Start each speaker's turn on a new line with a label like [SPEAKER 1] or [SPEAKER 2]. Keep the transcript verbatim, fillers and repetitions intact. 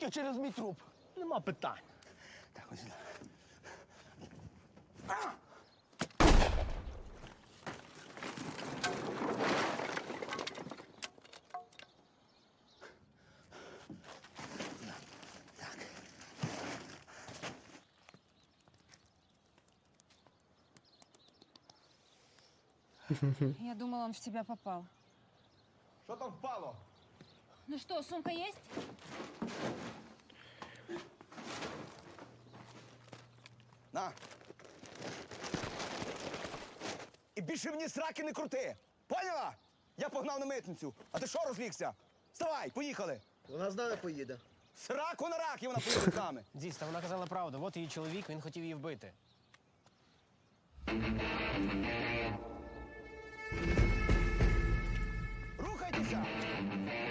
[SPEAKER 1] Тільки через мій труп.
[SPEAKER 2] Нема питань.
[SPEAKER 1] Так, ось сюди.
[SPEAKER 3] Я думала, он в тебя попал.
[SPEAKER 1] Що там впало?
[SPEAKER 3] Ну что, сумка есть?
[SPEAKER 1] На. І більше мені сраки не крути. Поняла? Я погнав на митницю. А ти що розлігся? Вставай, поїхали.
[SPEAKER 4] Вона з нами поїде.
[SPEAKER 1] Сраку на рак, і вона поїде з нами.
[SPEAKER 2] Дійсно, вона казала правду. От її чоловік, він хотів її вбити.
[SPEAKER 1] Рухайтеся!